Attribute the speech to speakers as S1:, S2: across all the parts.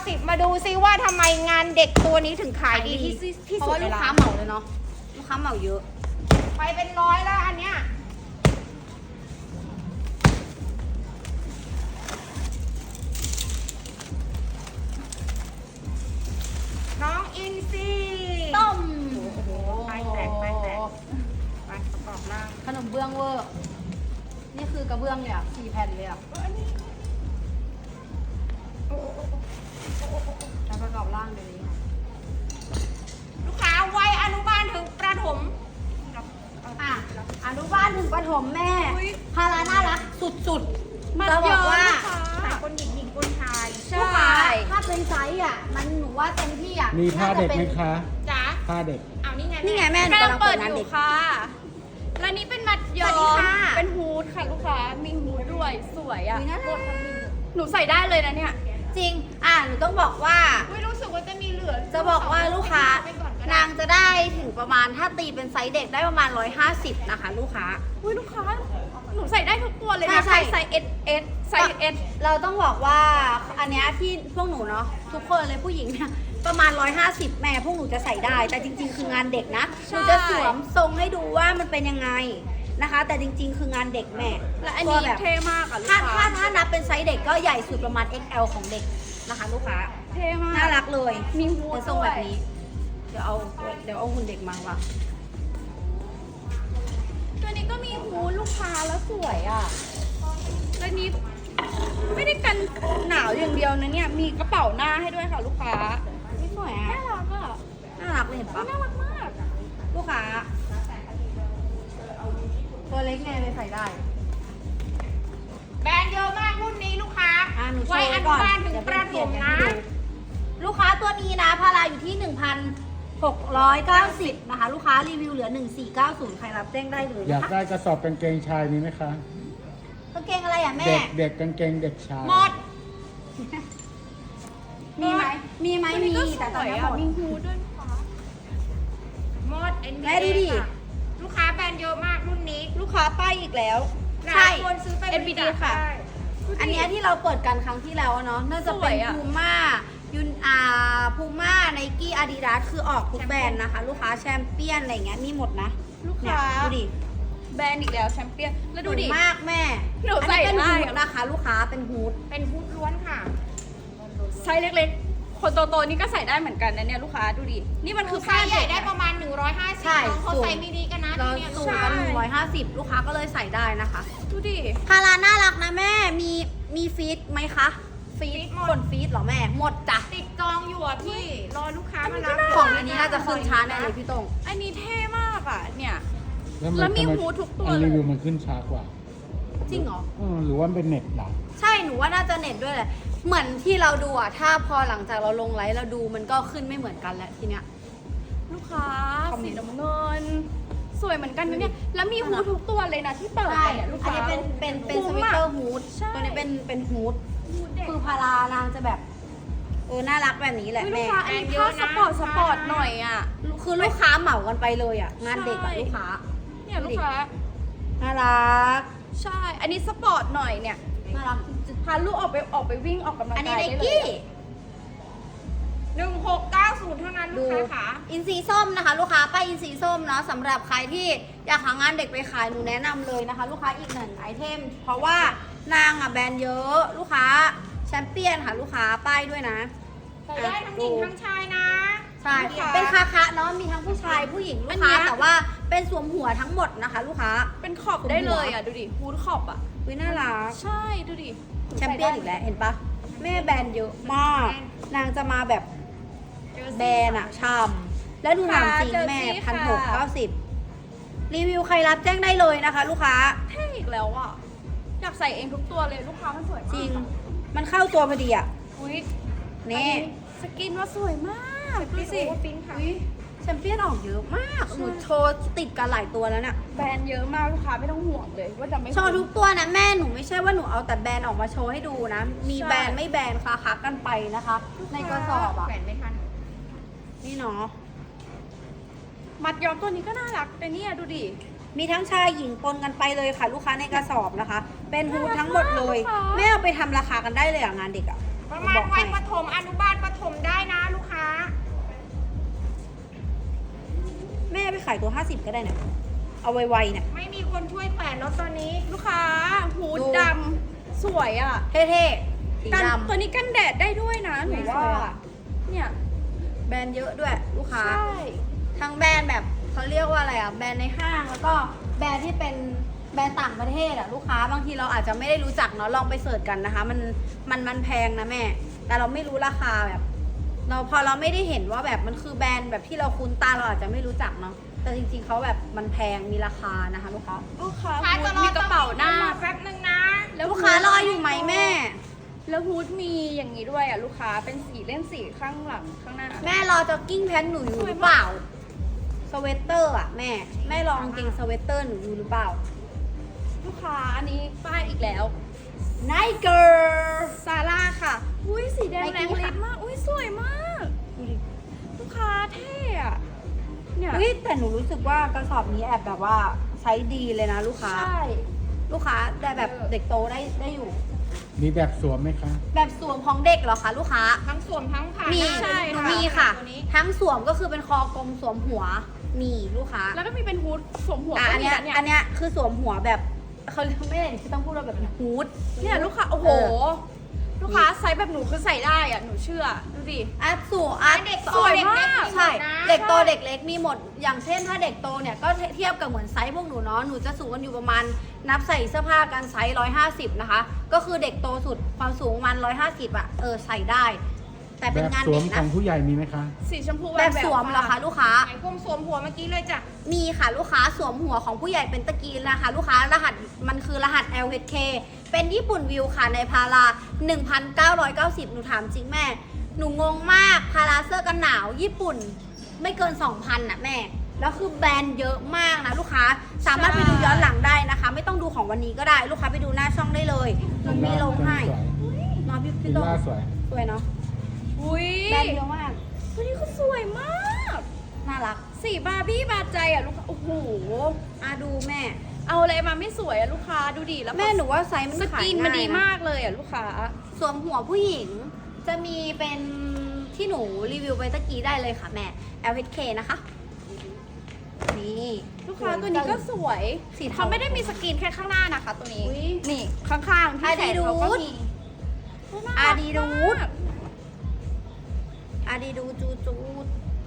S1: 990มาดูซิว่าทำไมงานเด็กตัวนี้ถึงขายดีที่
S2: เพราะ
S1: สุด
S2: ว่า
S1: ใน
S2: ลูก
S1: ร้า
S2: ค้าน เหมาเลยเนาะลูกค้าเหมาเยอะ
S1: ไปเป็นร้อยแล้วอันเนี้ยน้องอินซี
S2: ต้ม
S1: โอ้โหไปแตกไปแตกไปประกอบร่าง
S2: ขนมเบื้องเวอร์นี่คือกระเบื้องเนี่ย4 แผ่นเลยอ่ะแล้วประกอบร่างเลยค่ะ
S1: ลูกค้าวัยอนุบาลถึงประถม
S2: อ่ะอนุบาลถึงประถมแม่
S1: อุ๊ย
S2: พาราน่ารักสุด
S1: มัด
S2: จะบอกว่า
S1: ใส่คนหญิงหญิงคนชาย
S2: ๆลูกค้าถ้าเป็นไซส์อ่ะมันหนูว่าเต็มที่อ่ะ
S3: มีผ้าเด็กไหมคะ
S1: จ๋า
S3: ผ้าเด็ก
S1: เอานี่ไง
S2: นี่ไงแม่หนูกำลังเปิดงานเด็ก
S4: ค่ะ และนี่เป็นมัดย้อ
S1: สวัสดี
S4: ม
S1: ค่ะ
S4: เป็นฮูดค่ะลูกค้า มีฮูดด้วย สวยอ่ะ
S2: อุ๊ยน่ารัก
S4: หนูใส่ได้เลยนะเนี่ย
S2: จริงหนูต้องบอกว่า
S1: อุ้ยรู้สึกว่าจะมีเหลือ
S2: จะบอกว่าลูกค้า
S1: ไปก่อนก็ได้
S2: นางจะได้ถึงประมาณถ้าตีเป็นไซส์เด็กได้ประมาณ150นะคะ ลูกค้า
S4: อุ้ยลูกค้า หนูใส่ได้ทุกตัวเลย
S2: ใช่
S4: นะ
S2: ใช่
S4: ไซส์ S S ไซส์ S
S2: เราต้องบอกว่าอันเนี้ยที่พวกหนูเนาะทุกคนเลยผู้หญิงเนี่ยประมาณ150แม่พวกหนูจะใส่ได้ แต่จริงๆ คืองานเด็กนะหนูจะสวมทรงให้ดูว่ามันเป็นยังไงนะคะ แต่จริงๆ คืองานเด็กแม่
S4: และอัน
S2: ตั
S4: นี้
S2: วแบบ
S4: เท่มากอ่ะลูก
S2: ถ้า
S4: ค้า
S2: ถ้านับเป็นไซส์เด็กก็ใหญ่สุดประมาณ XL ของเด็กนะคะ ลูกค้า
S4: เท่มาก
S2: น่ารักเลย
S4: มีฮูด
S2: เป็นทรง
S4: ด้ว
S2: แบ
S4: ย
S2: บนี้ เดี๋ยวเอาหุ่นเด็กมาว่ะ
S4: ตัวนี้ก็มีฮูดลูกค้าแล้วสวยอ่ะและนี้ไม่ได้กันหนาวอย่างเดียวนะเนี่ย มีกระเป๋าหน้าให้ด้วยค่ะลูกค้า
S2: นี่สวยอ่ะ
S4: น่ารักอ่ะ
S2: น่ารักเลยเห็นปะ
S4: น่ารักมาก
S2: ลูกค้า ตัวเล็กไงเลยใส่ได้
S1: แบรนด์เยอะมากรุ่นนี้ลูกค้า
S2: หนูโช
S1: วัย
S2: ว์
S1: อ
S2: ไว้
S1: นุ
S2: ก่อน
S1: บาลถึง
S2: เดี๋ยว
S1: ประ
S2: เป
S1: ถ
S2: ลี่ยน
S1: ม
S2: กัน
S1: นะ
S2: ให้ดูลูกค้าตัวนี้นะพาราอยู่ที่ 1,690 นะคะ ลูกค้ารีวิวเหลือ 1490 ใครรับแจ้งได้เลย
S3: อยาก
S2: นะคะ
S3: ได้กระสอบกางเกงชายมีไหมคะ
S2: กางเกงอะไรอ่ะแม่
S3: เด็กเด็กกางเกงเด็กชาย
S1: หมด
S2: มีไหมมีไหม
S4: ตัวนี้
S2: มี
S4: ก็ส
S2: แต่ตอน
S4: วย
S2: นี้หม
S4: อ่ะ
S2: ด
S4: มีฮูดด้วยลูกค้า
S1: หมด NBA
S2: แม่ดูดิ
S1: ค่ะลูกค้าแบรนด์เยอะมากรุ่นนี้
S2: ลูกค้าป้ายอีกแล้ว
S1: ห
S2: ใช่
S1: ลายคนซื้อไป
S4: NBD ค่ะ
S1: ได้
S2: อันเนี้ยที่เราเปิดกันครั้งที่แล้วเนาะน่าจะ
S4: ส
S2: เป็
S4: วน ยอะ
S2: พูม่ายุนพูม่าไนกี้อาดิดาสคือออกทุกแบรนด์นะคะ ลูกค้าแชมเปี้ยนอะไรอย่างเงี้ยมีหมดนะ
S4: ลูก
S2: เนี่ย
S4: ค้า
S2: ดูดิ
S4: แบรนด์อีกแล้วแชมเปี้ยน แล้วดูดิ
S2: สวยมากแม่
S4: หนู
S2: อั
S4: ใส่
S2: นี้เป็น
S4: ได้
S2: ฮูด
S4: อะ
S2: นะคะ ลูกค้าเป็นฮูด
S1: เป็นพุทล้วนค่ะ
S4: ไซส์เล็กๆ คนโตๆนี่ก็ใส่ได้เหมือนกันนะเนี่ยลูกค้าดูดิ นี่มันคือ
S1: ไซ
S4: ผ้า
S1: ส์ใหญ่
S4: เด็ก
S1: ได้
S4: อะ
S1: ประมาณ 150
S2: ใช่
S1: น้องเขา
S2: สูง
S1: ใส่ไม่ดีกันนะ
S2: เรา
S1: ทีเนี้ย
S2: สู
S1: ลู
S2: ง
S1: ก
S2: กั
S1: ค้าน
S2: 150 ลูกค้าก็เลยใส่ได้นะคะ
S4: ดูดิ
S2: พาราน่ารักนะแม่มีฟีดไหมคะ
S1: ฟีดหม
S2: ข
S1: ด
S2: นฟีดเหรอแม่หมดจ้ะ
S1: ติดจองอยู่อ่ะพี่ รอลูกค้ามารับ
S2: ของอันนี้น่าจะขึ้นช้าแน่เลยพี่ตรง
S4: อันนี้เท่มากอ่ะ เนี่ย
S3: แล้ว
S4: แล้วมี
S3: ทำไ
S4: ฮูดทุกตัว
S3: อัน
S4: เลย
S3: รีวิวมันขึ้นช้ากว่า
S2: จริงเหรอ
S3: หรือว่าเป็นเน็ตเหรอ
S2: ใช่หนูว่าน่าจะเน็ตด้วยแหละ เหมือนที่เราดูอะถ้าพอหลังจากเราลงไลฟ์เราดูมันก็ขึ้นไม่เหมือนกันแล้วทีเนี้ย
S4: ลูกค้า
S2: คอมเม
S4: สี
S2: นต์
S4: น้ำเงิน สวยเหมือนกันนะเนี่ย แล้วมีฮูดทุกตัวเลยนะที่เปิด
S2: ใช่
S4: ไปเนี่ยลูก
S2: อัน
S4: ค้า
S2: นี้เป็นส
S4: คุ้ม
S2: วิต
S4: อะ
S2: เตอร์ฮูด
S4: ใช่
S2: ตัวนี้เป็นฮูด
S4: ฮูดเด็ก
S2: คือพารานางจะแบบน่ารักแบบนี้แหละ
S4: อุ๊ยลู
S2: แม่
S4: กค้าอันนี้ผ้าสปอร์ตหน่อยอ่ะ
S2: คือลูกค้าเหมากันไปเลยอะงานเด็กอะ
S4: ใช่
S2: ลูกค้า
S4: เนี่ยลูกค้า
S2: น่ารัก
S4: ใช่ อันนี้สปอร์ตหน่อยเนี่ย
S2: น่ารักจริง
S4: พาลูกออกไปวิ่งออกกำลัง
S2: อันนี้
S4: กาย
S2: ไน
S4: ได้เลย
S2: กี้
S4: อะ
S1: 1690 เท่านั้นลู
S2: ดู
S1: กค้าค่ะ
S2: อินซีส้มนะคะ ลูกค้าป้ายอินซีส้มเนาะสำหรับใครที่อยากหางานเด็กไปขายหนูแนะนำเลยนะคะ ลูกค้าอีกหนึ่งไอเทม เพราะว่านางอะแบรนด์เยอะลูกค้าแชมเปี้ยนค่ะลูกค้าป้ายด้วยนะ
S1: ใส่ได้ทั้งหญิงทั้งชายนะ
S2: ใช่
S1: ลูกค้า
S2: เป็นคาคะเนาะมีทั้งผู้ชายผู้หญิงลูกค้าแต่ว่าเป็นสวมหัวทั้งหมดนะคะ ลูกค้า
S4: เป็นขอบได้เลยอ่ะ ดูดิฮูดขอบอ่ะ
S2: วิน่ารัก
S4: ใช่ ดูดิ
S2: แชมเปี้ยนอีกแล้วเห็นปะแม่แบรนด์เยอะมาก นางจะมาแบบแบรนด์อะช่ำแล้วดูถามจริงแม่1,690รีวิวใครรับแจ้งได้เลยนะคะ ลูกค้า
S4: เท่อีกแล้วอ่ะ อยากใส่เองทุกตัวเลยลูกค้ามันสวยมาก
S2: จริง มันเข้าตัวพอดีอ่ะ
S4: อุ้ย
S2: นี่
S4: สกินว่าสวยมากดูสิ
S1: โอเวอร์ปิ้นค่ะ
S4: อุ๊ย
S2: แชมเปี้ยนออกเยอะมากหนูโชว์ติดกันหลายตัวแล้วเนี่ย
S4: แบรนด์เยอะมากลูกค้าไม่ต้องห่วงเลยว่าจะไม่
S2: โชว์ทุกตัวนะแม่หนูไม่ใช่ว่าหนูเอาแต่แบรนด์ออกมาโชว์ให้ดูนะ มีแบรนด์ไม่แบรนด์คากันไปนะคะ ในกระสอบอ่ะ
S1: แขวนไม่ทัน
S2: นี่เนาะ
S4: มัดย้อมตัวนี้ก็น่ารักแต่เนี่ยดูดิ
S2: มีทั้งชายหญิงปนกันไปเลยค่ะ ลูกค้าในกระสอบนะคะ เป็นฮูดทั้งหมดเลย
S4: น่ารักมาก
S2: แม่เอาไปทำราคากันได้เลยอ่ะงานเด็กอ่ะ
S1: ประประมาณวัยประถมอนุบาลประถมได้นะลูกค้า
S2: แม่ไปขายตัว 50 ก็ได้เนี่ยเอาไวๆเนี่ย
S1: ไม่มีคนช่วยแขวนรถตอนนี้
S4: ลูกค้าฮูด
S2: ดู
S4: ดำสวยอ่ะ
S2: เท่ๆสี
S4: กัน
S2: ดำ
S4: ตัวนี้กันแดดได้ด้วยนะหนู
S2: ส
S4: ว่า
S2: วยอะ
S4: เนี่ย
S2: แบรนด์เยอะด้วยลูกค้า
S4: ใช่
S2: ทั้งแบรนด์แบบเขาเรียกว่าอะไรอ่ะแบรนด์ในห้างแล้วก็แบรนด์ที่เป็นแบรนด์ต่างประเทศอ่ะลูกค้าบางทีเราอาจจะไม่ได้รู้จักเนาะลองไปเสิร์ชกันนะคะ มันแพงนะแม่ แต่เราไม่รู้ราคาแบบ พอเราไม่ได้เห็นว่าแบบมันคือแบรนด์แบบที่เราคุ้นตาเราอาจจะไม่รู้จักเนาะแต่จริงๆเขาแบบมันแพงมีราคานะคะลูกค้า
S4: ลูกค้า
S1: ลูกค้า
S4: ฮู
S1: จะ
S4: ด
S1: รอ
S4: มีกระเป๋าหน้า
S1: แป๊บนึงนะ
S4: แล้ว
S2: ลูกค้ารออยู่ไหมแม่
S4: แล้วฮูดมีอย่างนี้ด้วยอ่ะลูกค้าเป็นสีเล่นสีข้างหลังข้างหน้า
S2: แม่รอจ็อกกิ้งแพนหนูอยู่หรือเปล่าสเวตเตอร์อ่ะแม่รอกางเกงสเวตเตอร์หนูอยู่หรือเปล่า
S4: ลูกค้าอันนี้ป้ายอีกแล้ว
S2: ไนเกิร์
S4: ซาร่าค่ะ อุ้ยสีแดง
S2: Nike
S4: แรงลิ
S2: ค่ะ
S4: ปมาก อุ้ยสวยมาก ลูกค้าเท่อะเนี่ย
S2: อุ้ยแต่หนูรู้สึกว่ากระสอบนี้แอบแบบว่าไซส์ดีเลยนะลูกค้า
S4: ใช่
S2: ลูกค้าแต่แบบเด็กโตได้อยู่
S3: มีแบบสวมไหมคะ
S2: แบบสวมของเด็กเหรอคะลูกค้า
S1: ทั้งสวมทั้งผ่า
S2: มี
S1: ได้
S2: หนูมีค่ะ ทั้งสวมก็คือเป็นคอกลมสวมหัวมีลูกค้า
S4: แล้วก็มีเป็นฮูดสวมหัว
S2: อันเนี้ย
S4: ก็มีะ
S2: อันเนี้ยคือสวมหัวแบบเขาไม่ได้ที่ต้องพูดว่าแบบฮูด
S4: เนี่ยลูกค้า โอ้โห ลูกค้าไซส์แบบหนูคือใส่ได้อ่ะ หนูเชื่อ ดูดิ
S2: อ่ะสวมอ่ะ
S1: เด็ก
S2: ส
S1: โต
S2: วย
S1: เด็ก
S2: มาก
S1: เล็ก
S2: ใช่
S1: มีหมดนะ
S2: เด็กโตเด็กเล็กมีหมด อย่างเช่นถ้าเด็กโตเนี่ยก็เทียบกับเหมือนไซส์พวกหนูเนาะหนูจะสูงกันอยู่ประมาณนับใส่เสื้อผ้ากันไซส์150นะคะก็คือเด็กโตสุดความสูงประมัน150อ่ะใส่ได้ แต่
S3: แบ
S2: เป็น
S3: บ
S2: งาน
S3: สว
S2: เด็
S3: ม
S2: ก
S3: ขอ
S2: นะ
S3: งผู้ใหญ่มีไหมคะ
S4: สีชมพู
S2: แบบสวมเหรอคะลูกค้า
S1: ไหนกลมสวมหัวเมื่อกี้เลยจ้ะ
S2: มีค่ะลูกค้าสวมหัวของผู้ใหญ่เป็นตะกีนะคะ ลูกค้ารหัสมันคือรหัส LHK เป็นญี่ปุ่นวิวค่ะในพารา 1,990 หนูถามจริงแม่ หนูงงมากพาราเสื้อกันหนาวญี่ปุ่นไม่เกิน 2,000น่ะแม่ แล้วคือแบรนด์เยอะมากนะลูกค้าสามารถไปดูย้อนหลังได้นะคะ ไม่ต้องดูของวันนี้ก็ได้ ลูกค้าไปดูหน้าช่องได้เลยหนูมีลงให้
S3: สวย
S2: เนาะพี่
S3: ฟิ
S2: พี่
S3: ล
S2: โต
S3: ล่าสวย
S2: สวยเนาะ
S4: อุ้ย
S2: แบรนด์เยอะมาก
S4: ตัวนี้ก็สวยมาก
S2: น่ารัก
S4: สีบาร์บี้บาดใจอ่ะลูกค้า โอ้โห
S2: ดูแม่
S4: เอาอะไรมาไม่สวยอ่ะลูกค้า ดูดิ แล้ว
S2: แม่หนูว่าไซส์มัน
S4: ส
S2: ขาย
S4: กิน
S2: ง่าย
S4: มันดี
S2: นะ
S4: มากเลยอ่ะลูกค้า
S2: สวมหัวผู้หญิงจะมีเป็นที่หนูรีวิวไปตะกี้ได้เลยค่ะแม่ LHK นะคะ นี่
S4: ลูกค้าตัวนี้ก็สวย
S2: สีเทา
S4: เขาไม่ได้มีสกินแค่ข้างหน้านะคะ ตัวนี้
S2: อุ๊ย
S4: นี่ข้างๆที่แขนเขาก็มี
S2: อาดีดูดอาดีดูจูจูด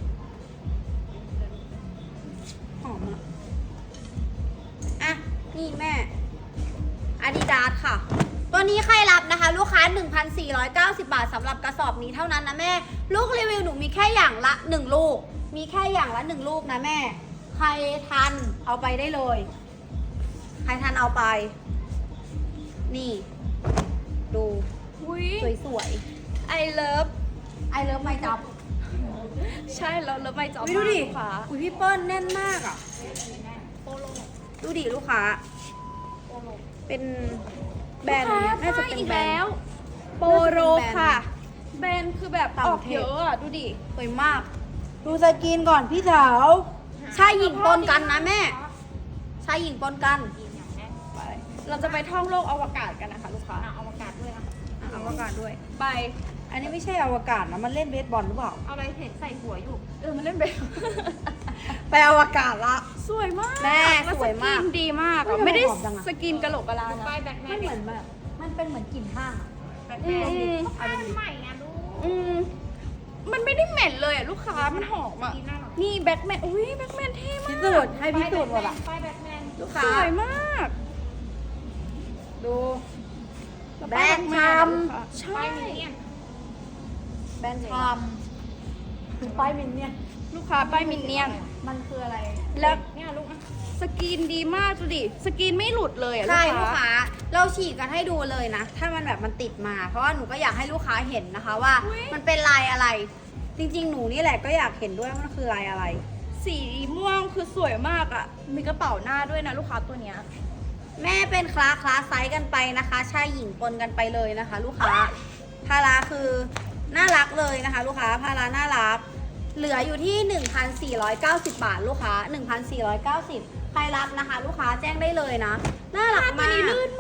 S2: หอมอ่ะนี่แม่อาดิดาสค่ะ ตัวนี้ใครรับนะคะ ลูกค้า 1,490 บาทสำหรับกระสอบนี้เท่านั้นนะแม่ ลูกรีวิวหนูมีแค่อย่างละ 1 ลูก มีแค่อย่างละ 1 ลูกนะแม่ ใครทันเอาไปได้เลย ใครทันเอาไป นี่ ดู
S4: อุ้ย
S2: สวย
S4: I love
S2: ๆไอเลิฟไม่จับ
S4: ใช่เราเลิฟไม่จอม
S2: ดูดิ
S4: ลูกค้า
S2: อุ้ยพี่เปิ้ลแน่นมากอ่ะ ดูดิลูกค้า เป็นแบรนด์
S4: ลูกค้า
S2: น่าจะ
S4: ป้าย
S2: เป็น
S4: อีก
S2: แบรน
S4: แล้ว
S2: ด์
S4: โปโรค่ะ แบรนด์คือแบบ
S2: ต่าง
S4: อ
S2: ป
S4: อก
S2: ระเทศ
S4: เยอะอ่ะ ดูดิ
S2: สวยมาก ดูสกินก่อนพี่สาวชายหญิงปนกันนะแม่ชายหญิงปนกัน
S4: ไป เราจะไปท่องโลกอวกาศกันนะคะ ลูกค้า
S1: เอาอากาศด้วยอ่ะ
S2: อวกาศด้วย
S4: ไป
S2: อันนี้ไม่ใช่อวกาศนะ มันเล่นเบสบอลหรือเปล่า
S1: เอาอะไรเห็นใส่หัวอยู่
S4: มันเล่นแบบ
S2: ไปอวกาศละ
S4: สวยมาก
S2: แม่
S4: แล้
S2: สวยมาก
S4: สกินดีมาก
S2: เฮ้ย
S4: ไม่ได้
S2: ทำไมหอมจังอะ
S4: สกินกะโหลกกะลานะ
S1: ป้ายแบทแม
S2: มัน
S1: น
S2: เหมือนแบบ มันเป็นเหมือนกลิ่นห้างอะ
S1: แบทแมน
S4: อืม
S1: ป้ายใหม่อ่ะลูก
S4: อืมมันไม่ได้เหม็นเลยอ่ะลูกค้า มันหอมอ่ะ
S1: ดีน่ารัก
S4: นี่แบ็คแมน อุ้ยแบ็คแมนเท่มาก
S2: พิสูจน์ให้พิสูจน์หมดอ่ะ
S1: ป้ายแบทแมน
S2: ลูก
S4: ส
S2: ค้า
S4: วยมาก
S2: ดู
S4: ล้ว
S2: แบรนด์
S4: ป้าย
S2: ชาม
S4: ใช่
S1: ป้ายมินเนี่ยน
S2: แบรนด์ชามป้ายมินเนี่ย
S4: ลูกค้าป้ายมินเนี่ยน
S2: มันคืออะไร
S4: แล้ว
S1: เนี่ยลูกอ่ะ
S4: สกินดีมากดูดิ สกินไม่หลุดเลยอ่ะ
S2: ใช่
S4: ลู
S2: ลู
S4: ก
S2: ก
S4: ค้า
S2: ค้า เราฉีกกันให้ดูเลยนะ ถ้ามันแบบมันติดมา เพราะว่าหนูก็อยากให้ลูกค้าเห็นนะคะว่า
S4: อุ๊ย
S2: มันเป็นลายอะไร จริงๆ หนูนี่แหละก็อยากเห็นด้วยว่ามันคือลายอะไร
S4: สีม่วงคือสวยมากอ่ะ มีกระเป๋าหน้าด้วยนะลูกค้าตัวเนี้ย
S2: แม่เป็นคลาสไซส์กันไปนะคะชายหญิงปนกันไปเลยนะคะ ลูกค้าพาราคือน่ารักเลยนะคะ ลูกค้าพาราน่ารัก เหลืออยู่ที่ 1,490 บาทลูกค้า 1,490 ใครรับนะคะ ลูกค้าแจ้งได้เลยนะน่ารัก
S4: ตัว
S2: มาก
S4: นี้ลื่นมาก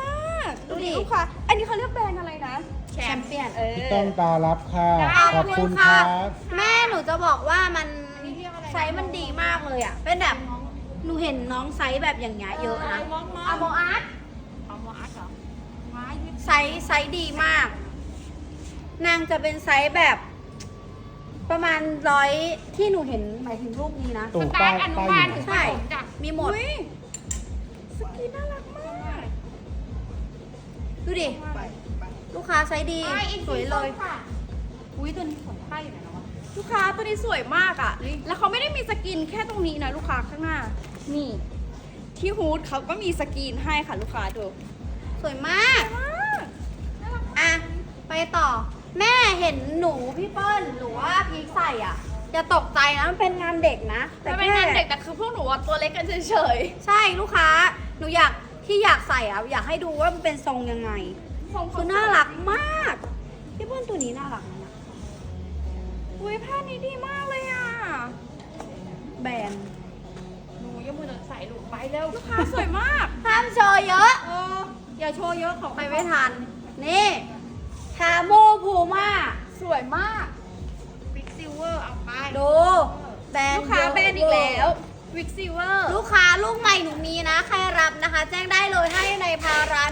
S4: ากดู
S2: ดูดิ
S4: ดิลูกค้าอันนี้เขาเรียกแบรนด์อะไรนะ
S2: แชมเปี้ยน
S3: พี่ต้องตารับค่ะ ขอบคุณค
S2: ค่ะ
S3: รับ
S2: แม่หนูจะบอกว่ามันไซส์มันดีมากเลยอ่ะ เป็นแบบหนูเห็นน้องไซส์แบบอย่างเงี้ยเยอะนะอะโมอาร์ต
S1: เอาหมออาร์ตเหรอว้าย
S2: ไซส์ดีมาก นางจะเป็นไซส์แบบ ประมาณ100ที่หนูเห็นหมายถึงรูปนี้นะ
S3: ตู่
S1: ส
S3: ป้า
S1: ตาร์ทอนุ
S3: ป้า
S1: บาล
S3: อยู่
S1: ถึง
S3: ไหน
S2: ใช่
S1: ประถมจ้ะ
S2: มีหมด
S4: อุ๊ยสกินน่ารักมาก
S2: ดูดิ ลูกค้าไซส์ดี สวยเลย
S1: อุ้ยตัวนี้สวยป้ายอยู่ไหนแล้ววะ
S4: ลูกค้าตัวนี้สวยมากอ่ะ แล้วเขาไม่ได้มีสกินแค่ตรงนี้นะลูกค้าข้างหน้า นี่ ที่ฮูดเขาก็มีสกินให้ค่ะลูกค้าดู
S2: สวยมาก อ่ะ ไปต่อ แม่เห็นหนูพี่เปิ้ลหรือว่าพีคใส่อ่ะอย่าตกใจนะมันเป็นงานเด็กนะ
S4: แต่เป็นงานเด็กแต่คือพวกหนูอะตัวเล็กกันเฉย
S2: ใช่ลูกค้า หนูอยากใส่อ่ะ อยากให้ดูว่ามันเป็นทรงยังไง
S4: ๆทรงเขา
S2: คือน่ารักมาก พี่เปิ้ลตัวนี้น่ารักนะ
S4: อุ้ยผ้านี้ดีมากเลยอ่ะ
S2: แบรนด์
S1: หนูยังมือใส่ลูกไปเร็ว
S4: ลูกค้าสวยมาก
S2: ห้ามโชว์เยอะ
S1: อย่าโชว์เยอะของ
S2: ไปไม่ทัน นี่คาโมพูม่า
S4: สวยมาก
S1: บิ๊กซิลเวอร์เอาไป
S2: ดูแบรน
S4: ลู
S2: ด์
S4: กค้า
S2: เยะ
S4: แบรนด์อีกแล้ววิกซิเวอร์
S2: ลูกค้าลูกใหม่หนูมีนะ ใครรับนะคะ แจ้งได้เลยให้ในพารา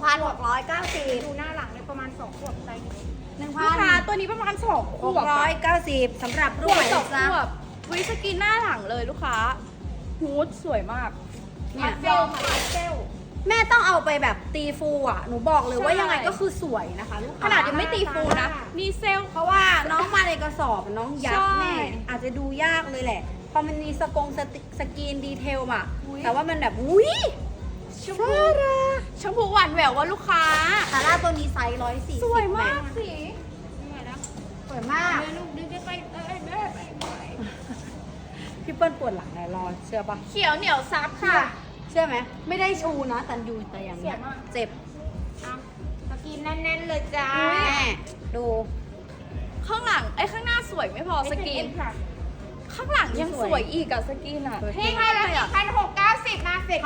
S2: 1,690
S1: ดูหน้าหลังเลยประมาณ2ขวบไซส์นี้
S4: ลูกค้าตัวนี้ประมาณ2ขวบอะ
S2: 1,690สำหรับ
S4: ข
S2: ลูก
S4: วบ
S2: ใหม่
S4: สอง
S2: นะ
S4: ขวบวิสกินหน้าหลังเลยลูกค้าฮูดสวยมาก
S2: เนี่ย
S1: เซลค่ะเซล
S2: แม่ต้องเอาไปแบบตีฟูอ่ะ หนูบอกเลยว่ายังไงก็คือสวยนะคะลูก
S4: ข
S2: ค้า
S4: นาดยังไม่ตีฟูนะ มีเซลล์
S2: เพราะว่าน้องมาในกระสอบน้องยับ
S4: ใช่
S2: แม่อาจจะดูยากเลยแหละ พอมันมีสกรีนดีเทลอ่ะ
S4: อุ๊ย
S2: แต่ว่ามันแบบอุ้ย
S4: ชมพูชมพูหวานแหววว่าลูกค้า
S2: ซาร่าตัวนี้ไซส์140
S4: สวยมากสี
S1: ยังไงนะ
S2: สวยมาก
S1: ลูกดึงใกล้ๆแม่ไป
S2: พี่เปิ้ลปวดหลังเลยรอเชื่อปะ
S4: เขียวเหนียวซับค่ะ
S2: เชื่อไหมไม่ได้ชูนะแต่อยู่แต่อย่างเงี้ย
S4: เสียมาก
S2: เจ็บ
S1: เอาสกินแน่นๆเลยจ้า
S2: แม่ดู
S4: ข้างหลังข้างหน้าสวยไม่พอสกิน
S1: ค่ะ
S4: ข้างหลังยังสวยอีกอะสกินอะ
S2: สวย
S4: เท่
S1: นี่ให้แล้ว
S4: เลยอะ
S1: 1,690มาเสร็จ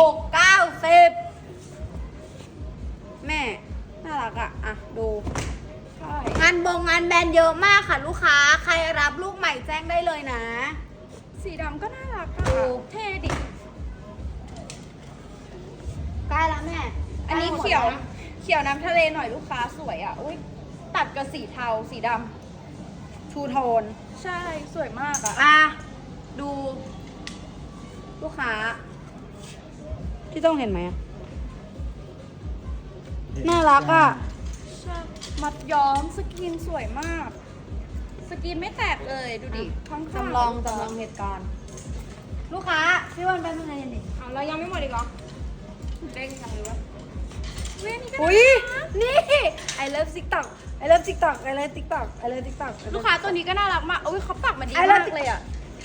S2: 1,690แม่น่ารักอ่ะดู
S4: ใช่
S2: งานงานแบรนด์เยอะมากค่ะลูกค้า ใครรับลูกใหม่แจ้งได้เลยนะ
S4: สีดำก็น่ารักอะ
S2: ดู
S4: เท่ดิ
S2: ใกล้แล้วแม่
S4: อันนี้
S2: ใกล้หมด
S4: เขียว
S2: แล้
S4: เขียวน้ำทะเลหน่อยลูกค้าสวยอะอุ้ยตัดกับสีเทาสีด
S2: ชูโทน
S4: ำใช่สวยมากอะ
S2: อ่ะ ดู ลูกค้า ที่ต้องเห็นไหมอะน่ารักอ่ะ
S4: ใช่มัดย้อมสกินสวยมาก สกินไม่แตกเลยดูดิข้างๆ
S2: จำลองเหตุการณ์ ลูกค้า พี่วันไปเมื่อไงดิ
S1: เอาเรายังไม่หมดอีกเหรอเด้งจังเลยวะ
S4: เว้ยนี่ก็
S2: อุ้ย
S4: น่ารัก
S2: นี่ I love TikTok I love TikTok I love TikTok I love TikTok
S4: ลูกค้าตัวนี้ก็น่ารักมากอุ้ยเขาปักมาดี
S2: ไอ้เลิ
S4: มา
S2: ศ
S4: กเลยอะ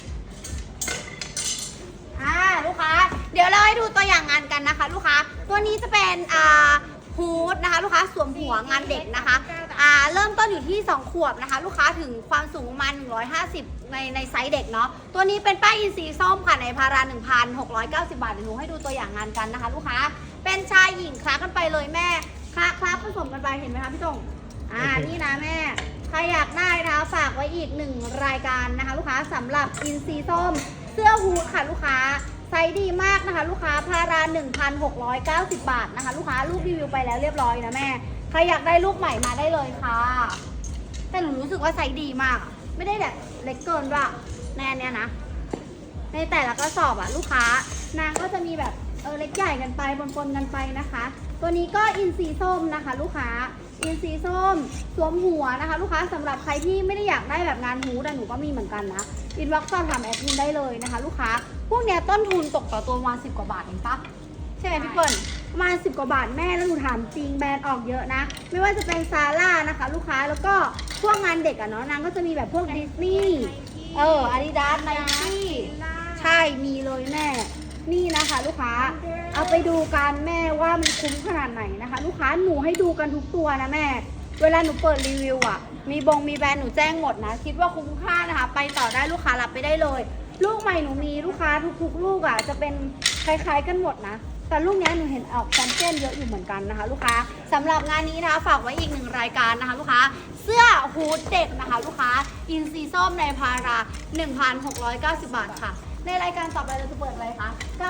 S2: ลูกค้า เดี๋ยวเราให้ดูตัวอย่างงานกันนะคะ ลูกค้า ตัวนี้จะเป็นฮูดนะคะ ลูกค้าสวมหัวงานเด็กนะคะ เริ่มต้นอยู่ที่ 2 ขวบนะคะ ลูกค้าถึงความสูงประมาณ150ในไซส์เด็กเนาะ ตัวนี้เป็นป้ายอินทรีย์ส้มค่ะในพารา 1,690 บาทเดี๋ยวหนูให้ดูตัวอย่างงานกันนะคะ ลูกค้า เป็นชายหญิงคลากันไปเลยแม่คลาผสมกันไปเห็นไหมคะพี่ตงนี่นะแม่ ใครอยากได้นะคะฝากไว้อีก1รายการนะคะ ลูกค้าสำหรับอินทรีย์ส้ม เสื้อฮูดค่ะลูกค้าไซส์ดีมากนะคะ ลูกค้าพารา 1,690 บาทนะคะ ลูกค้าลูกรีวิวไปแล้วเรียบร้อยนะแม่ใครอยากได้ลูกใหม่มาได้เลยค่ะ แต่หนูรู้สึกว่าไซส์ดีมากอะไม่ได้แบบเล็กเกินด้วยแน่เนี่ยนะ ในแต่ละกระสอบอะลูกค้านางก็จะมีแบบเล็กใหญ่กันไปปนๆกันไปนะคะ ตัวนี้ก็อินทรีย์ส้มนะคะ ลูกค้าอินทรีย์ส้มสวมหัวนะคะ ลูกค้าสำหรับใครที่ไม่ได้อยากได้แบบงานฮูดแต่หนูก็มีเหมือนกันนะอินบ็อกซ์สอบถามแอดมินได้เลยนะคะ ลูกค้าพวกเนี้ยต้นทุนตกต่อตัวประมาณ10 กว่าบาทเองปะใช่ไหมพี่เปิ้ลประมาณ10 กว่าบาทแม่แล้วหนูถามจริงแบรนด์ออกเยอะนะ ไม่ว่าจะเป็นซาร่านะคะ ลูกค้าแล้วก็พวกงานเด็กอะเนาะนางก็จะมีแบบพวกดิสนีย์อาดิดาสไนกี้ใช่มีเลยแม่ นี่นะคะ ลูกค้าเอาไปดูกันแม่ว่ามันคุ้มขนาดไหนนะคะ ลูกค้าหนูให้ดูกันทุกตัวนะแม่ เวลาหนูเปิดรีวิวอ่ะมีแบรนด์หนูแจ้งหมดนะคิดว่าคุ้มค่านะคะ ไปต่อได้ลูกค้ารับไปได้เลย ลูกใหม่หนูมีลูกค้าทุกๆลูกอ่ะจะเป็นคล้ายๆกันหมดนะแต่ลูกเนี้ยหนูเห็นออกแชมเปี้ยนเยอะอยู่เหมือนกันนะคะ ลูกค้าสำหรับงานนี้นะคะฝากไว้อีก1รายการนะคะ ลูกค้าเสื้อฮูดเด็กนะคะ ลูกค้าอินซีส้มในพารา 1,690 บาทค่ะ ในรายการต่อไปเราจะเปิดอะไรคะ